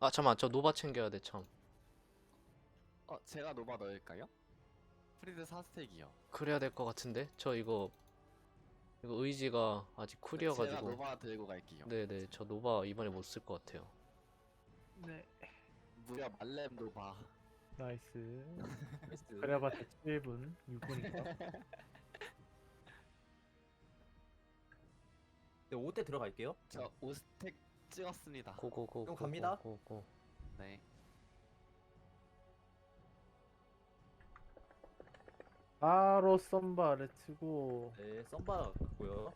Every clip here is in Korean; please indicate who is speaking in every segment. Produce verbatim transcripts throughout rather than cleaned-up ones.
Speaker 1: 아 잠깐만, 저 노바 챙겨야 돼 참.
Speaker 2: 어, 제가 노바 넣을까요? 프리드 사 스택이요.
Speaker 1: 그래야 될 것 같은데. 저 이거 이거 의지가 아직
Speaker 2: 네, 제가
Speaker 1: 쿨이어가지고.
Speaker 2: 노바 들고 갈게요.
Speaker 1: 네네, 저 노바 이번에 못 쓸 것 같아요.
Speaker 3: 네.
Speaker 2: 무려 말렘 노바.
Speaker 3: 나이스.
Speaker 4: 나이스.
Speaker 3: 그래봤자 칠 분, 육 분이니까.
Speaker 4: 네, 오 대 들어갈게요.
Speaker 2: 저 오 스택 찍었습니다.
Speaker 1: 고고고.
Speaker 4: 그럼 갑니다.
Speaker 1: 고고.
Speaker 2: 네.
Speaker 3: 바로 썸바를 치고
Speaker 4: 네, 썸바 같고요.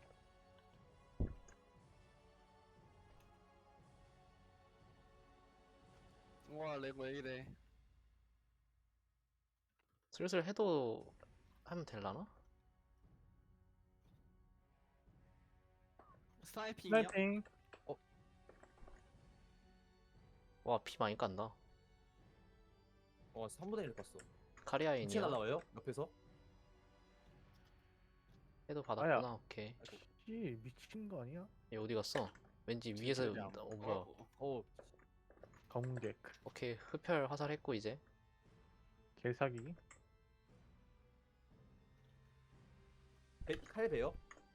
Speaker 2: 와, 레고 왜 이래?
Speaker 1: 슬슬 해도 하면 될라나?
Speaker 2: 스나이핑이요?
Speaker 3: 스나이핑.
Speaker 1: 와, 피 많이 깐다.
Speaker 4: 어, 삼분의 일 깠어. 부채
Speaker 1: 카리아인이요.
Speaker 4: 날라와요? 옆에서?
Speaker 1: 해도 받았구나.
Speaker 3: 아야.
Speaker 1: 오케이.
Speaker 3: 씨 미친 거 아니야?
Speaker 1: 얘 어디 갔어? 왠지 위에서.
Speaker 2: 제대로 안-
Speaker 1: 어 뭐야.
Speaker 2: 어,
Speaker 4: 어,
Speaker 3: 검객.
Speaker 1: 오케이, 흡혈 화살했고 이제.
Speaker 3: 개사기.
Speaker 4: 배, 칼 베요?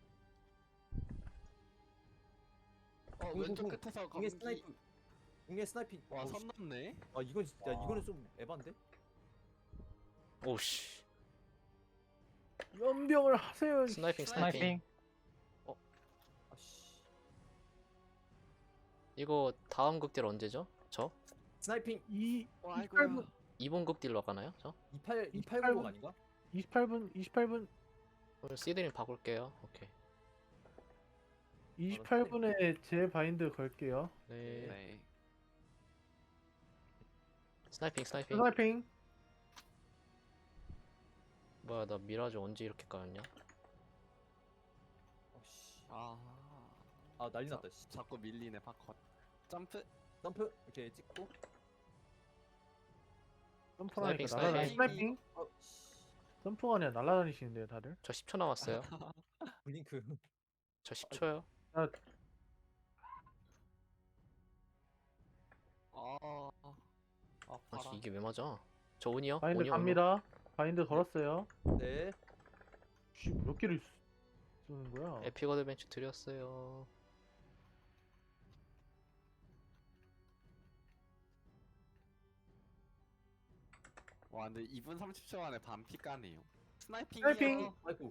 Speaker 2: 어,
Speaker 4: 공,
Speaker 2: 왼쪽
Speaker 4: 공, 공.
Speaker 2: 끝에서
Speaker 4: 공의
Speaker 2: 검기.
Speaker 4: 스나이핑. 공의 스나이핑.
Speaker 2: 와,
Speaker 4: 어,
Speaker 2: 선
Speaker 4: 씨.
Speaker 2: 넘네.
Speaker 4: 아, 이건 진짜,
Speaker 3: 와.
Speaker 4: 이거는 좀 에반데?
Speaker 1: 오씨.
Speaker 3: 연병을 하세요.
Speaker 1: 스나이핑
Speaker 2: 스나이핑.
Speaker 1: 스나이핑.
Speaker 4: 아씨.
Speaker 1: 이거 다음 극딜 언제죠? 저?
Speaker 4: 스나이핑
Speaker 3: 이
Speaker 2: 와,
Speaker 3: 이십팔 분,
Speaker 2: 아이고야.
Speaker 1: 이번 극딜로 가나요? 저?
Speaker 4: 이십팔,
Speaker 3: 이십팔
Speaker 4: 이백팔십
Speaker 3: 분.
Speaker 4: 아닌가?
Speaker 3: 이십팔 분, 이십팔 분,
Speaker 1: 오늘 시드님 바꿀게요. 오케이.
Speaker 3: 이십팔 분에 제 바인드 걸게요.
Speaker 1: 네.
Speaker 2: 네.
Speaker 1: 스나이핑 스나이핑.
Speaker 3: 스나이핑.
Speaker 1: 뭐야, 나 미라주 언제 이렇게 까였냐?
Speaker 4: 아씨.
Speaker 2: 아,
Speaker 4: 아, 난리 났다, 씨.
Speaker 2: 자꾸 밀리네 파컷. 점프.
Speaker 4: 점프 이렇게 찍고.
Speaker 3: 점프하니까
Speaker 1: 스나이핑,
Speaker 3: 날아다니.
Speaker 2: 스나이핑.
Speaker 3: 스나이핑.
Speaker 4: 어, 씨.
Speaker 3: 점프가 아니라 날아다니시는데요, 다들.
Speaker 1: 저 십 초 남았어요.
Speaker 4: 블링크.
Speaker 1: 저 십 초요.
Speaker 2: 아, 아,
Speaker 1: 아,
Speaker 2: 봐라.
Speaker 1: 이게 왜 맞아? 저 온이요?
Speaker 3: 바인드
Speaker 1: 온이요, 온이요.
Speaker 3: 갑니다. 바인드 걸었어요.
Speaker 4: 네.
Speaker 3: 씨, 몇 개를 쓰- 쓰는 거야?
Speaker 1: 에픽 어드벤처 드렸어요.
Speaker 2: 와, 근데 이 분 삼십 초 만에 반피 까네요. 스나이핑이요.
Speaker 3: 스나이핑!
Speaker 4: 아이고.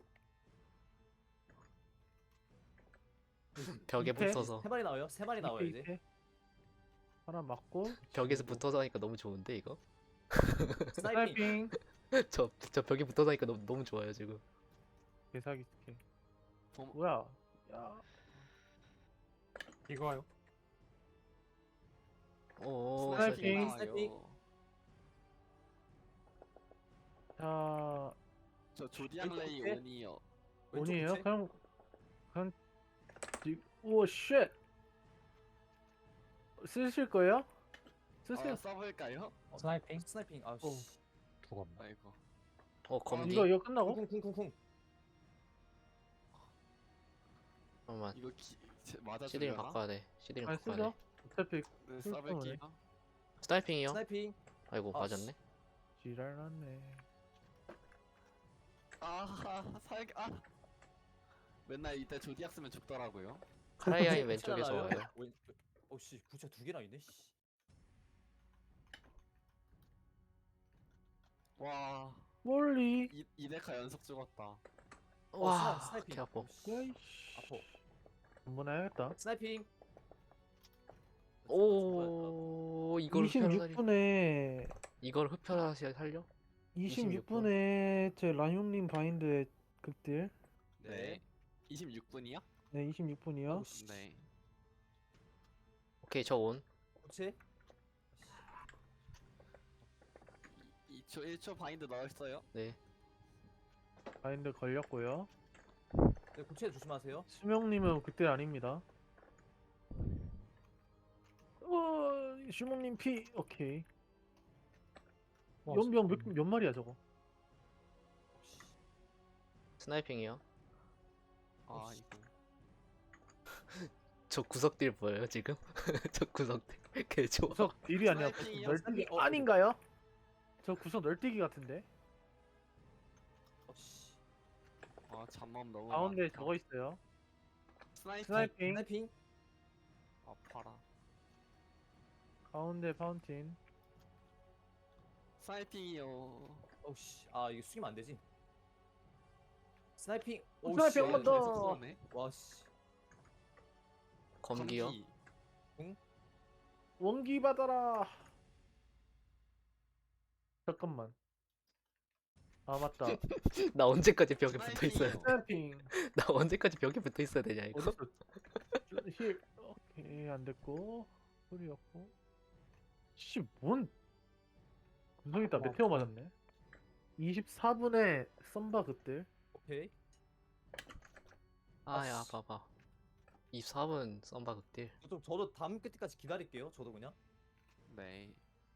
Speaker 1: 벽에
Speaker 3: 밑에?
Speaker 1: 붙어서.
Speaker 4: 세 마리 나와요? 세 마리 나와요,
Speaker 3: 이렇게,
Speaker 4: 이제.
Speaker 3: 이렇게. 하나 맞고.
Speaker 1: 벽에서
Speaker 3: 지우고.
Speaker 1: 붙어서 하니까 너무 좋은데 이거?
Speaker 4: 스나이핑.
Speaker 3: 스나이핑.
Speaker 1: 저, 저 벽에 붙어서 하니까 너무, 너무 좋아요 지금.
Speaker 3: 개사기 스킬.
Speaker 2: 봄-
Speaker 3: 뭐야? 야. 이거요?
Speaker 1: 오,
Speaker 3: 스나이핑.
Speaker 2: 나와요.
Speaker 3: 자,
Speaker 2: 저 조디안
Speaker 4: 왼쪽
Speaker 2: 레이
Speaker 4: 끝에?
Speaker 2: 온이요.
Speaker 4: 왼쪽
Speaker 3: 온이에요?
Speaker 4: 부채?
Speaker 3: 그냥 그냥 지- 오 쉣. 쓰실 거예요? 쓰세요.
Speaker 2: 어, 써볼까요?
Speaker 4: 어, 스나이핑? 스나이핑. 아,
Speaker 3: 어.
Speaker 4: 씨.
Speaker 2: 아이고.
Speaker 1: 어, 검디.
Speaker 3: 이거 이거 끝나고?
Speaker 4: 쿵쿵쿵쿵쿵.
Speaker 1: 잠깐만.
Speaker 2: 이거 기, 제, 맞아
Speaker 1: 시드링
Speaker 2: 주려나?
Speaker 1: 바꿔야 돼. 시드링
Speaker 3: 아니
Speaker 1: 바꿔야
Speaker 3: 쓰죠.
Speaker 1: 돼.
Speaker 3: 어차피
Speaker 2: 네,
Speaker 3: 쓸
Speaker 2: 써볼게요.
Speaker 1: 스나이핑이요?
Speaker 4: 스나이핑.
Speaker 1: 아이고,
Speaker 4: 아,
Speaker 1: 맞았네.
Speaker 3: 지랄났네.
Speaker 2: 아, 살, 아. 맨날 이때 조디악 쓰면 죽더라고요.
Speaker 1: 카라이아인
Speaker 4: 부채
Speaker 1: 왼쪽에서
Speaker 4: 날라와요?
Speaker 1: 와요.
Speaker 4: 왼- 어, 씨, 부채 두 개나 있네, 씨.
Speaker 2: 와,
Speaker 3: 멀리.
Speaker 2: 이, 이 데카 연속 죽었다.
Speaker 1: 와,
Speaker 4: 스나- 스나이핑.
Speaker 1: 개 아파.
Speaker 4: 어, 씨.
Speaker 3: 야이씨.
Speaker 4: 아파.
Speaker 3: 한번 해야겠다.
Speaker 4: 스나이핑.
Speaker 1: 오, 이걸 흡혈하다니.
Speaker 3: 이십육 분에
Speaker 1: 이걸 흡혈하시 살려?
Speaker 3: 이십육 분에 제 라뇽님 바인드의 극딜.
Speaker 2: 네. 이십육 분이요?
Speaker 3: 네, 이십육 분이요.
Speaker 4: 오, 씨.
Speaker 2: 네.
Speaker 1: 오케이, 저 온.
Speaker 4: 부채.
Speaker 2: 이 초, 일 초 바인드 넣었어요.
Speaker 1: 네.
Speaker 3: 바인드 걸렸고요.
Speaker 4: 네, 부채 조심하세요.
Speaker 3: 수명님은 극딜 아닙니다. 어, 수명님 피. 오케이. 연병 몇, 몇 마리야 저거?
Speaker 1: 스나이핑이요.
Speaker 2: 아, 이거.
Speaker 1: 저 구석딜 보여요 지금? 저 구석딜 개 좋아.
Speaker 3: 구석 딜이 아니라 구석
Speaker 2: 스나이핑이요?
Speaker 3: 널뛰기
Speaker 4: 어,
Speaker 3: 아닌가요? 저 구석 널뛰기 같은데.
Speaker 4: 어씨.
Speaker 2: 아 잠만 너무
Speaker 3: 가운데
Speaker 2: 많다.
Speaker 3: 저거 있어요.
Speaker 2: 스나이핑
Speaker 3: 스나이핑.
Speaker 4: 스나이핑.
Speaker 2: 아파라.
Speaker 3: 가운데 파운틴.
Speaker 2: 스나이핑이요.
Speaker 4: 어씨. 아 이거 숙이면 안 되지. 스나이핑.
Speaker 3: 스나이핑 한번 더.
Speaker 2: 계속 쏘네.
Speaker 4: 와씨.
Speaker 1: 검기요?
Speaker 2: 검기.
Speaker 3: 원기 받아라. 잠깐만. 아 맞다.
Speaker 1: 나 언제까지 벽에 붙어 있어야 돼?
Speaker 2: 스나이핑이요.
Speaker 3: 스나이핑
Speaker 1: 나 언제까지 벽에 붙어 있어야 되냐 이거?
Speaker 3: 어딨어? 힐. 오케이 안 됐고 소리였고. 씨뭔 구성 있다.
Speaker 4: 와,
Speaker 3: 메테오 맞았네. 이십사 분에 썸바 그때.
Speaker 4: 오케이.
Speaker 1: 아야
Speaker 4: 아씨.
Speaker 1: 봐봐. 이십사 분 썸바 극딜.
Speaker 4: 저도 저도 다음 끝까지 기다릴게요. 저도 그냥.
Speaker 2: 네.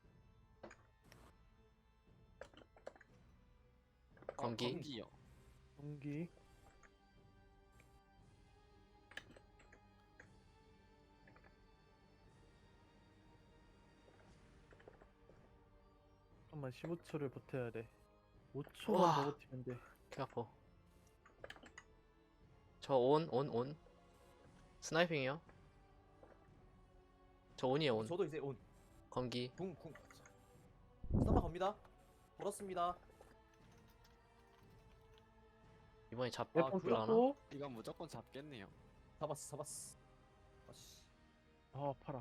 Speaker 1: 검기.
Speaker 2: 어, 검기요.
Speaker 3: 원기. 잠깐만 십오 초를 버텨야 돼. 오 초만
Speaker 1: 우와.
Speaker 3: 더 버티면 돼.
Speaker 1: 개 아파. 저 온, 온, 온. 스나이핑이요? 저 온이에요 온.
Speaker 4: 저도 이제 온.
Speaker 1: 검기.
Speaker 4: 궁 궁. 스타마 갑니다. 걸었습니다.
Speaker 1: 이번에 잡
Speaker 3: 몇번
Speaker 1: 불라나?
Speaker 3: 뚫었고.
Speaker 2: 이건 무조건 잡겠네요.
Speaker 4: 잡았어 잡았어. 아씨.
Speaker 3: 아 팔아.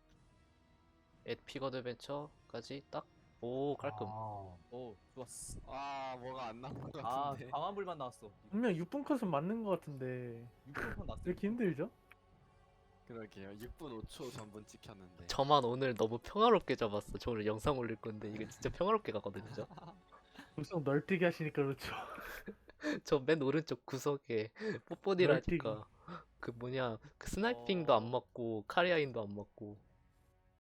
Speaker 1: 앳픽 어드벤처까지 딱. 오 깔끔.
Speaker 4: 아, 오 좋았어.
Speaker 2: 아 뭐가 안 나온 것
Speaker 4: 아
Speaker 2: 같은데.
Speaker 4: 강한 불만 나왔어.
Speaker 3: 분명 육 분 컷은 맞는 것 같은데
Speaker 4: 육 분 났어.
Speaker 3: 왜 이렇게 힘들죠?
Speaker 2: 그러게요. 육 분 오 초 전분 찍혔는데.
Speaker 1: 저만 오늘 너무 평화롭게 잡았어. 저 오늘 영상 올릴 건데 이게 진짜 평화롭게 가거든요. 저.
Speaker 3: 구성 널뛰기 하시니까 그렇죠.
Speaker 1: 저 맨 오른쪽 구석에 뽀뽀디라니까 그 뭐냐 그 스나이핑도 안
Speaker 4: 어.
Speaker 1: 맞고 카리아인도 안 맞고